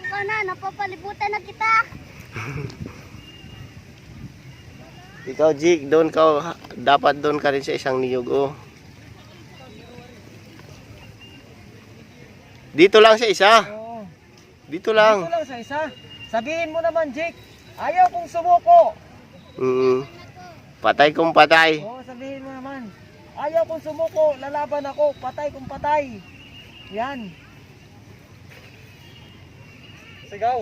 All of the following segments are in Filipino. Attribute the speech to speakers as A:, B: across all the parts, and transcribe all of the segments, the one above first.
A: ka na, napapalibutan na kita.
B: Ikaw, Jig, doon ka, dapat doon ka rin sa isang niyog, oh. Dito lang sa isa.
C: Oo.
B: Dito lang.
C: Dito lang sa isa. Sabihin mo naman, Jake, ayaw kong sumuko.
B: Patay kung patay.
C: Oo, sabihin mo naman. Ayaw kong sumuko, lalaban ako, patay kung patay. Yan. Sigaw.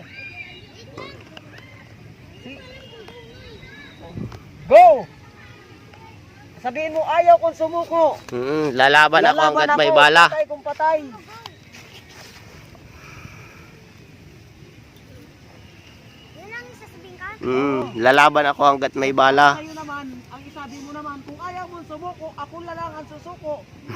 C: Go! Sabihin mo, ayaw kong sumuko.
B: Lalaban ako hanggat may bala.
C: Patay kung patay.
A: Yun ang sasabihin ka?
B: Lalaban ako hanggat may bala.
C: Sa'yo naman, ang isabi mo naman, kung ayaw mong sumuko, ako na lang ang susuko.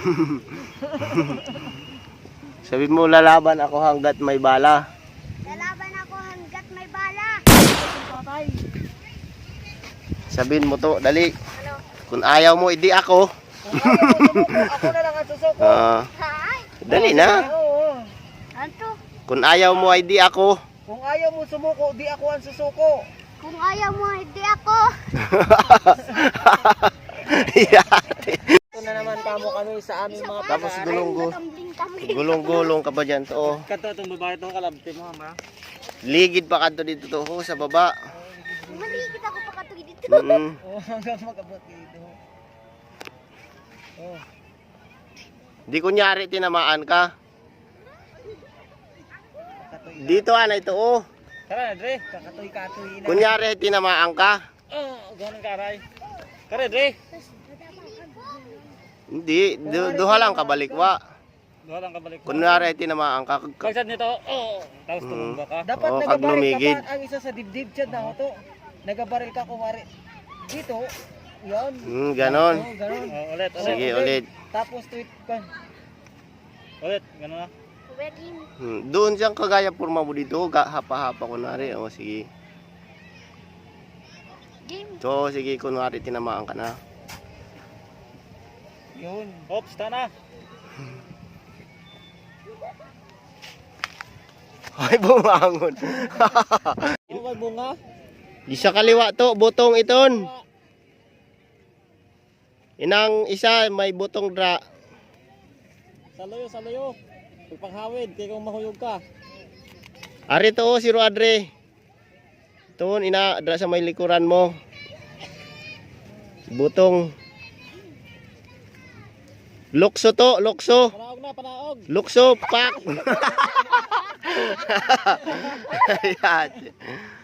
B: Sabi mo, lalaban ako hanggat may bala.
A: Lalaban ako hanggat may bala.
C: Patay.
B: Sabihin mo to, dali.
A: Ano?
B: Kung ayaw mo, hindi ako.
C: Kung ayaw mong sumuko, ako na lang ang susuko.
A: Hay!
B: Dali na.
C: Oo.
A: Ano?
B: Kung ayaw mo, hindi ako.
C: Kung ayaw mo sumuko, di ako ang susuko.
A: Kung ayaw mo, hindi ako.
C: Ito na naman kamo kami sa aming mga
B: Tapos
C: pag-aaral.
B: gulong-gulong ka pa dyan to, oh.
C: Kanto itong babae itong kalabti mo, ha?
B: Ligid pa kanto dito to, oh, sa baba.
A: Maligid ako pa katuloy dito.
C: Oo, hanggang magabot dito. Oh.
B: Di kunyari tinamaan ka. Dito ana ito, oh.
C: Tara, Dre, kakatoy-katoy na.
B: Kunyari tinamaan ka.
C: Ganun karay. Tara, Dre.
B: Hindi, duha lang kabalikwa.
C: Duha lang kabalik.
B: Kunyari tinamaan ka.
C: Pagsad nito, tapos tumumba ka. Dapat
B: Oo,
C: nagabaril
B: lumigid.
C: ka pa ang isa sa dibdib dyan na to. Nagabaril ka kumari. Dito, yan.
B: Ganon.
C: Oo, ganon. Ulit,
B: Sige, ulit.
C: Tapos tweet ka. Ulit, ganon na.
A: Wedding.
B: Doon siyang kagaya purma mo dito, hapa-hapa kunwari. O, sige.
A: Game.
B: So, sige, kunwari tinamaan ka na.
C: Yun. Oops, tana.
B: Ay, bumangon.
C: Ano ba bunga?
B: Di sa kaliwa to, butong iton. Inang isa, may butong dra.
C: Saluyo, saluyo. Pagpanghawid, kaya kung mahuyog ka.
B: Ari to, si Adre. Tuon, ina, dra sa may likuran mo. Butong. Lukso to, lukso.
C: Panaog na, panaog.
B: Lukso, pak. Ayan.